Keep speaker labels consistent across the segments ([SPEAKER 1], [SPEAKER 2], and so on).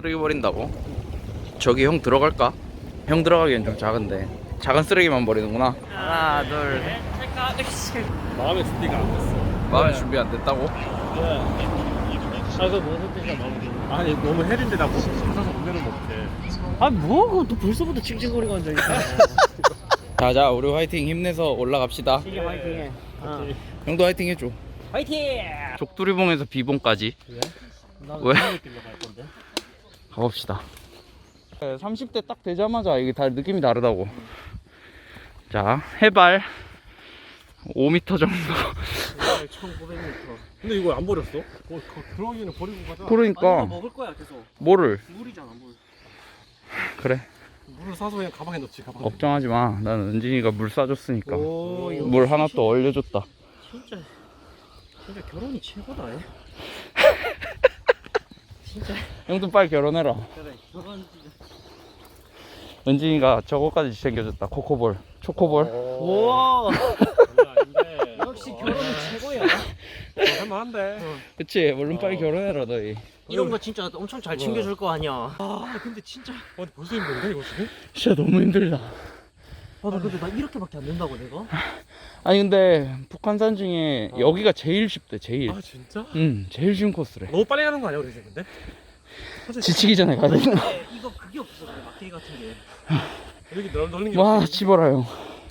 [SPEAKER 1] 쓰레기 버린다고? 저기 형 들어갈까? 형 들어가기엔 좀 작은데 작은 쓰레기만 버리는구나. 하나 둘 셋.
[SPEAKER 2] 마음의 준비가 안 됐어.
[SPEAKER 1] 마음의 준비 안 됐다고?
[SPEAKER 2] 그래서 무슨 뜻이야 마음의 아니 너무 헬인데 나 찾아서 운전을 못해.
[SPEAKER 3] 또 벌써부터 칭칭거리고 앉아있어.
[SPEAKER 1] 자자 우리 화이팅 힘내서 올라갑시다.
[SPEAKER 3] 이게 화이팅해.
[SPEAKER 1] 형도 화이팅 해줘.
[SPEAKER 3] 화이팅!
[SPEAKER 1] 족두리봉에서 비봉까지
[SPEAKER 3] 나는
[SPEAKER 1] 왜?
[SPEAKER 3] 길로 갈 건데.
[SPEAKER 1] 가봅시다. 30대 딱 되자마자 이게 다 느낌이 다르다고. 자 해발 5m 정도.
[SPEAKER 3] 1900m.
[SPEAKER 2] 근데 이거 안 버렸어? 들어가기는 버리고 가자.
[SPEAKER 1] 그러니까
[SPEAKER 3] 먹을 거야 계속.
[SPEAKER 1] 뭐를
[SPEAKER 3] 물이잖아 물.
[SPEAKER 1] 그래
[SPEAKER 2] 물을 사서 그냥 가방에 넣지 가방.
[SPEAKER 1] 걱정하지 마. 나는 은진이가 물 싸줬으니까.
[SPEAKER 3] 오, 이거
[SPEAKER 1] 물 하나 또 얼려줬다.
[SPEAKER 3] 진짜 결혼이 최고다. 얘. 진짜
[SPEAKER 1] 형도 빨리 결혼해라.
[SPEAKER 3] 그래 결혼 진짜.
[SPEAKER 1] 은진이가 저거까지 챙겨줬다. 코코볼 초코볼.
[SPEAKER 3] 와
[SPEAKER 2] 아닌데.
[SPEAKER 3] 역시 결혼이 최고야.
[SPEAKER 2] 할만한데.
[SPEAKER 1] 그치 물론 빨리 결혼해라 너희.
[SPEAKER 3] 이런 거 진짜 엄청 잘 챙겨줄 거 아니야. 근데 진짜
[SPEAKER 2] 벌써 힘든데 이거 지금?
[SPEAKER 1] 진짜 너무 힘들다.
[SPEAKER 3] 나 근데 나 이렇게밖에 안 된다고 내가?
[SPEAKER 1] 아니 근데 북한산 중에 여기가 제일 쉽대 제일.
[SPEAKER 2] 아 진짜?
[SPEAKER 1] 응 제일 쉬운 코스래.
[SPEAKER 2] 너무 빨리 가는 거 아니야 우리 지금 근데?
[SPEAKER 1] 지치기 전에 가야 되나?
[SPEAKER 3] 이거 그게 없어 그래 막대기 같은 게.
[SPEAKER 2] 여기 넓는 게
[SPEAKER 1] 와
[SPEAKER 2] 없지.
[SPEAKER 1] 집어라 형.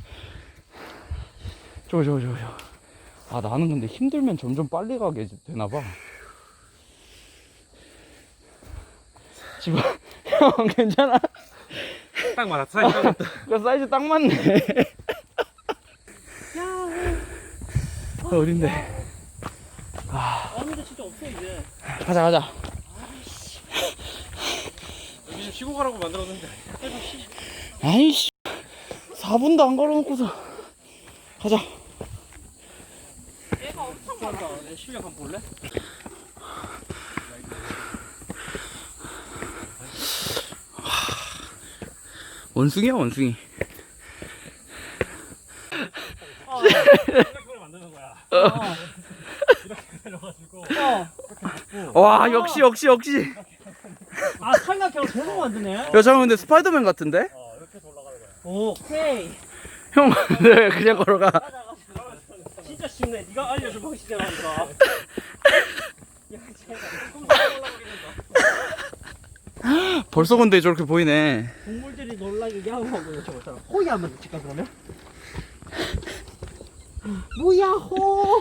[SPEAKER 1] 저거. 아 나는 근데 힘들면 점점 빨리 가게 되나봐. 집어. 형 괜찮아?
[SPEAKER 2] 딱 맞아. 사이즈 딱 맞다.
[SPEAKER 1] 그 사이즈 딱 맞네. 어딘데?
[SPEAKER 3] 근데 진짜 없어 이제.
[SPEAKER 1] 가자.
[SPEAKER 2] 여기 지금 쉬고 가라고 만들었는데.
[SPEAKER 1] 아이씨 4분도 안 걸어놓고서 가자.
[SPEAKER 3] 얘가 엄청 많아. 내 실력 한번 볼래?
[SPEAKER 1] 원숭이야 원숭이.
[SPEAKER 2] 이렇게 만드는 거야. 이렇게 내려가지고.
[SPEAKER 1] 와 역시.
[SPEAKER 3] 삼각형 계속 만드네.
[SPEAKER 1] 야 잠깐 근데 스파이더맨 같은데?
[SPEAKER 2] 이렇게 올라가는 거야.
[SPEAKER 3] 오케이.
[SPEAKER 1] 형 네, 그냥 걸어가.
[SPEAKER 3] 진짜 쉽네. 네가 알려준 방식이라니까.
[SPEAKER 1] 벌써 근데 저렇게 보이네.
[SPEAKER 3] 동물들이 놀라게 야호하고 저거 있잖아. 호이 한번 넣칠까 그러면? 무야호.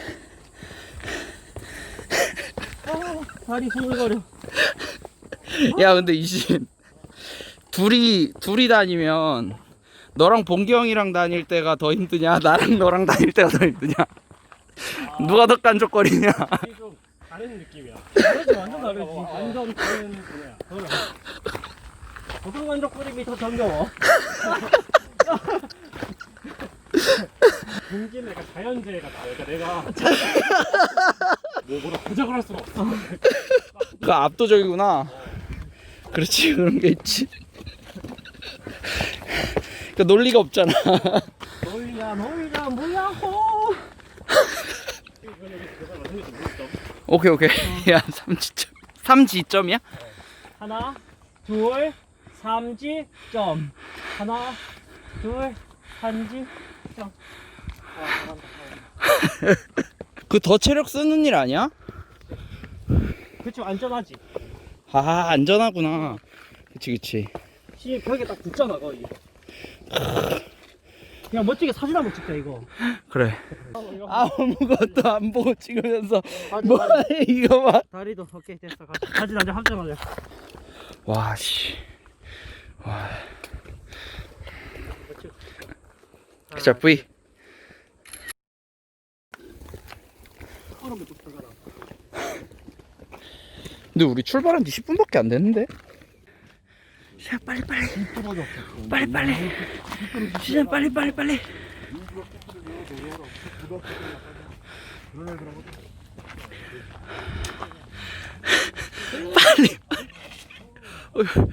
[SPEAKER 3] 다리 후들거려.
[SPEAKER 1] 야 근데 이신 둘이 다니면 너랑 봉기 형이랑 다닐 때가 더 힘드냐 나랑 너랑 다닐 때가 더 힘드냐 누가 더 깐족거리냐.
[SPEAKER 2] 이게 좀 다른 느낌이야.
[SPEAKER 3] 다르지 완전 다르지.
[SPEAKER 2] 완전 다른 분야야.
[SPEAKER 3] 어떤 간족거림이 더 정겨워?
[SPEAKER 2] 공기는 약간 자연재해가 나. 그러니까 내가 뭐라 부작을 할 수가 없어.
[SPEAKER 1] 그 압도적이구나. 그렇지 그런 게 있지. 그 논리가 없잖아.
[SPEAKER 3] 놀리야 무야호.
[SPEAKER 1] 오케이 야 3지점이야?
[SPEAKER 3] 하나 둘 3지점. 하나 둘 3지점.
[SPEAKER 1] 그 더 체력 쓰는 일 아니야?
[SPEAKER 3] 그치 안전하지.
[SPEAKER 1] 아 안전하구나. 그치
[SPEAKER 3] 시 벽에 딱 붙잖아 거의. 그냥 멋지게 사진 한번 찍자 이거.
[SPEAKER 1] 그래. 아무것도 안 보고 찍으면서
[SPEAKER 3] 다리,
[SPEAKER 1] 뭐해 이거 봐.
[SPEAKER 3] 다리도 오케이 됐어. 사진 한장 합장하자.
[SPEAKER 1] 와 씨. 와. 자 V. 근데 우리 출발한 지 10분밖에 안 됐는데? 자 빨리 진짜 빨리 어휴.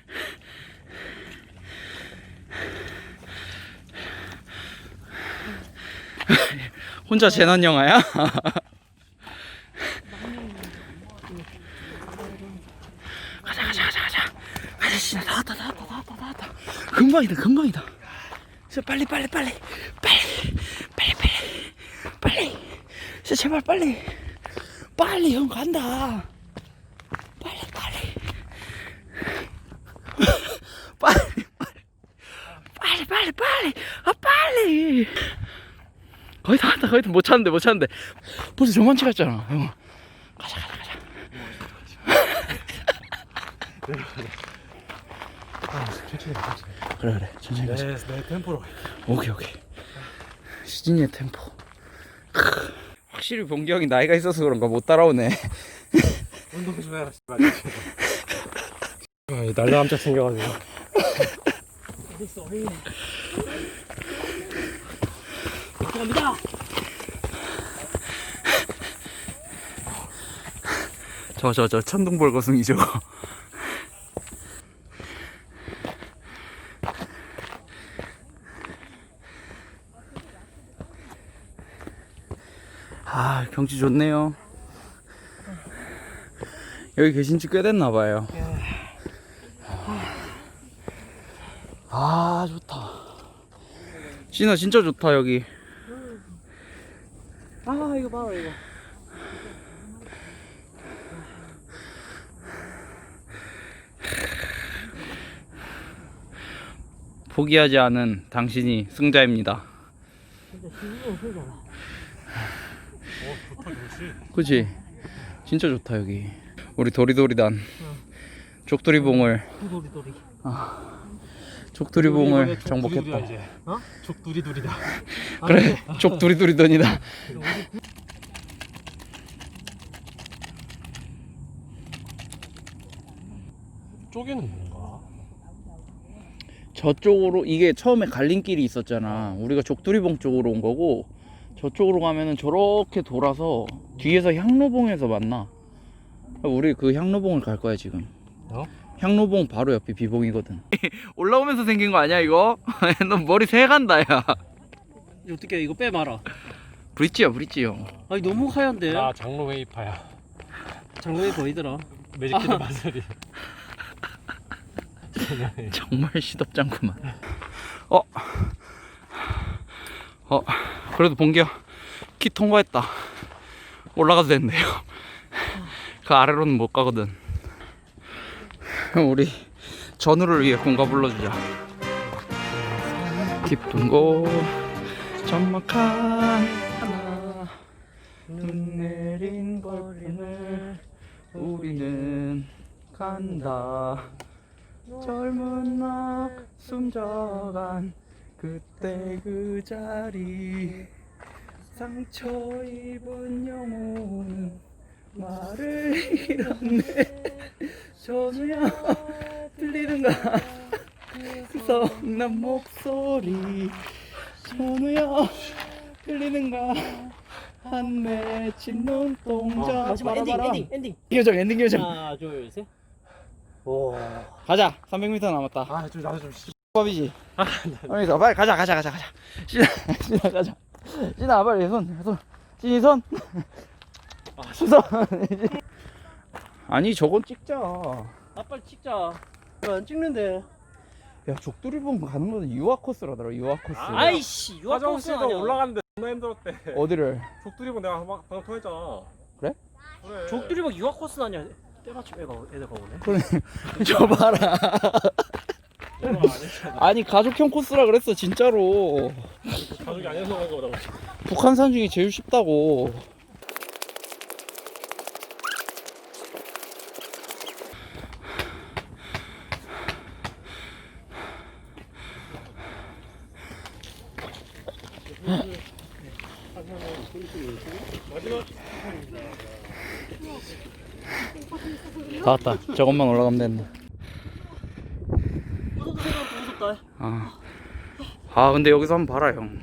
[SPEAKER 1] 혼자 재난 영화야? 가자 금방이다 금방이다. 진짜 빨리 진짜 제발 빨리 형 간다. 빨리 빨리 거의 다 왔다. 못 찾는데 벌써 저만치 갔잖아 형. 가자
[SPEAKER 2] 천천히.
[SPEAKER 1] 그래 천천히 가자.
[SPEAKER 2] 내 템포로.
[SPEAKER 1] 오케이 시진이의 템포. 확실히 봉기 형이 나이가 있어서 그런가 못 따라오네.
[SPEAKER 2] 운동 좀 해라. 날라감자 챙겨가지고.
[SPEAKER 3] 쏘리. 갑니다.
[SPEAKER 1] 저 천둥벌거숭이 저거. 아 경치 좋네요. 여기 계신 지 꽤 됐나봐요. 아 좋다. 진아 진짜 좋다 여기.
[SPEAKER 3] 아 이거 봐라 이거.
[SPEAKER 1] 포기하지 않은 당신이 승자입니다.
[SPEAKER 3] 진짜 신기한 소리잖아.
[SPEAKER 2] 좋다 좋지.
[SPEAKER 1] 그치? 진짜 좋다 여기. 우리 도리도리단 족두리봉을
[SPEAKER 3] 도리.
[SPEAKER 1] 족두리봉을 정복했다.
[SPEAKER 3] 어?
[SPEAKER 2] 족두리두리다.
[SPEAKER 1] 그래 족두리두리던이다.
[SPEAKER 2] 쪼개는 뭔가?
[SPEAKER 1] 저쪽으로 이게 처음에 갈림길이 있었잖아. 우리가 족두리봉 쪽으로 온 거고 저쪽으로 가면은 저렇게 돌아서 뒤에서 향로봉에서 만나. 우리 그 향로봉을 갈 거야 지금.
[SPEAKER 2] 어?
[SPEAKER 1] 향로봉 바로 옆이 비봉이거든. 올라오면서 생긴 거 아니야 이거? 너 머리 새간다 야.
[SPEAKER 3] 어떻게 이거 빼 말아.
[SPEAKER 1] 브릿지야 브릿지 형.
[SPEAKER 3] 아니 너무 하얀데.
[SPEAKER 2] 나 장로 웨이파야.
[SPEAKER 3] 장롱이 보이더라.
[SPEAKER 2] 매직키드 마사리.
[SPEAKER 1] 정말 시덥잖구만. 그래도 봉기야 키 통과했다. 올라가도 된대요. 그 아래로는 못 가거든. 우리 전우를 위해 공가 불러주자. 깊은 곳 적막한 하나 눈 내린 거리를 우리는 간다. 젊은 나 숨져간 그때 그 자리 상처 입은 영혼은 말을 잃었네. 전우야 들리는가 그 성난 목소리. 전우야 들리는가 한 맺힌 눈동자.
[SPEAKER 3] 마지막 엔딩.
[SPEAKER 1] 엔딩 요정.
[SPEAKER 3] 하나 둘 셋. 오.
[SPEAKER 1] 가자. 300m 남았다.
[SPEAKER 2] 나도 좀
[SPEAKER 1] 밥이지. 그러니까 빨리 가자. 신아 가자. 신아 빨리 손. 신이 손. 손. 아니 저건 찍자.
[SPEAKER 3] 빨리 찍자. 안 찍는데.
[SPEAKER 1] 야 족두리봉 가는 거는 유아 코스라더라. 유아 코스.
[SPEAKER 3] 아이씨 유학버스
[SPEAKER 2] 화장실도
[SPEAKER 3] 아니야.
[SPEAKER 2] 올라갔는데 존나 힘들었대.
[SPEAKER 1] 어디를?
[SPEAKER 2] 족두리봉 내가 막 방금 통했잖아.
[SPEAKER 1] 그래?
[SPEAKER 2] 그래.
[SPEAKER 3] 족두리박 유학버스 아니야. 때마침 애들 가보네.
[SPEAKER 1] 그래. 저 봐라.
[SPEAKER 2] 오늘 안 했잖아.
[SPEAKER 1] 아니 가족형 코스라 그랬어 진짜로.
[SPEAKER 2] 가족이 아니어서 그런 거보다.
[SPEAKER 1] 북한산 중에 제일 쉽다고. 다 왔다. 저것만 올라가면 된다.
[SPEAKER 3] 무섭다.
[SPEAKER 1] 아 근데 여기서 한번 봐라 형.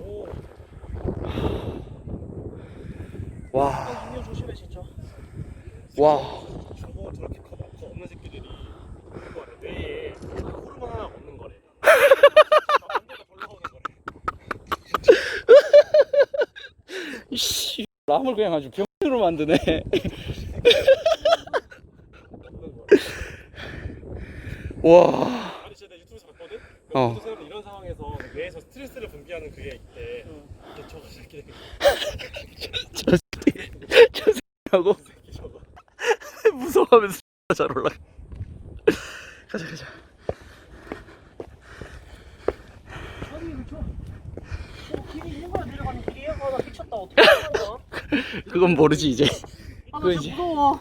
[SPEAKER 1] 와.
[SPEAKER 3] 인형 조심해 진짜.
[SPEAKER 1] 와.
[SPEAKER 2] 저거 저렇게 커 없는 새끼들이 그거 뇌에 호르몬 하나 없는 거래. 남자가 졸라 오는 거래.
[SPEAKER 1] 씨. 람을 그냥 아주 병으로 만드네. 와.
[SPEAKER 2] 아니 진짜 내 유튜브에서 봤거든?
[SPEAKER 1] 어.
[SPEAKER 2] 생각해 이런 상황에서 뇌에서 스트레스를 분비하는 그게 있대. 근데 저거 새끼
[SPEAKER 1] 저 새끼하고
[SPEAKER 2] 저거.
[SPEAKER 1] 무서워하면서 잘 올라가. 가자.
[SPEAKER 3] 아니 길이 있는 거야 내려가는 길이야? 나 미쳤다 어떻게 하는 거야?
[SPEAKER 1] 그건 모르지 이제.
[SPEAKER 3] 나
[SPEAKER 1] 그거
[SPEAKER 3] 진짜
[SPEAKER 1] 이제
[SPEAKER 3] 무서워.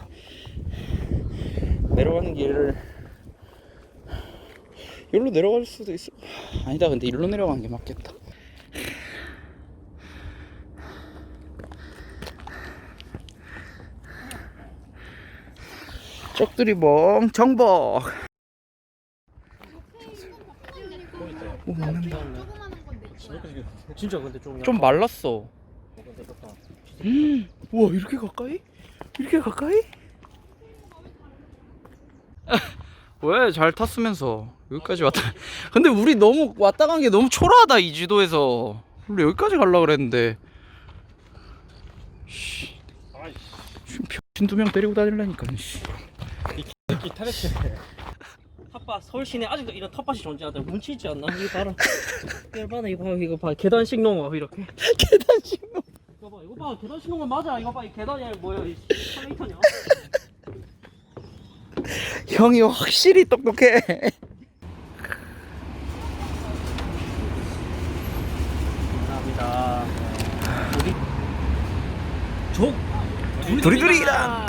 [SPEAKER 1] 내려가는 길을 여기로 내려갈 수도 있어. 아니다, 근데 일로 내려가는 게 맞겠다. 쪽들이 멍청벅. 오, 먹는다.
[SPEAKER 3] 진짜 근데
[SPEAKER 1] 좀 말랐어.
[SPEAKER 3] 근데 좋다.
[SPEAKER 1] 우와, 이렇게 가까이? 이렇게 가까이? 왜 잘 탔으면서 여기까지 왔다. 근데 우리 너무 왔다 간 게 너무 초라하다 이 지도에서. 원래 여기까지 가려고 그랬는데. 씨,
[SPEAKER 2] 아이씨.
[SPEAKER 1] 병신 2명 데리고 다니려니까. 씨.
[SPEAKER 2] 새끼 타레트.
[SPEAKER 3] 텃밭 서울 시내 아직도 이런 텃밭이 존재하다. 문치 있지 않나? 이거 봐라. 이거 봐 계단식 농업 이렇게.
[SPEAKER 1] 계단식 놈.
[SPEAKER 3] 이거 봐 계단식 농업 맞아. 이거 봐 이 계단이 아니라 뭐야 이 3m냐?
[SPEAKER 1] 형이 확실히 똑똑해.
[SPEAKER 3] 감사합니다. 족
[SPEAKER 1] 두리두리랑.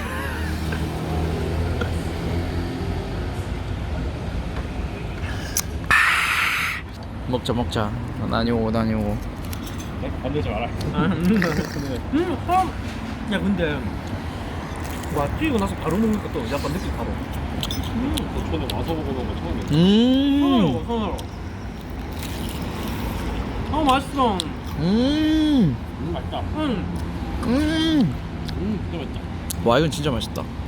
[SPEAKER 1] 먹자. 나니 오고.
[SPEAKER 2] 건들지 마라.
[SPEAKER 3] 야 근데 와 뛰고 나서 바로 먹는 것도 약간 느낌 바로.
[SPEAKER 2] 저는 와서 먹어본 거 처음이야.
[SPEAKER 3] 어 맛있어.
[SPEAKER 2] 맛있다.
[SPEAKER 3] 응.
[SPEAKER 2] 진짜 맛있다.
[SPEAKER 1] 와, 이건 진짜 맛있다.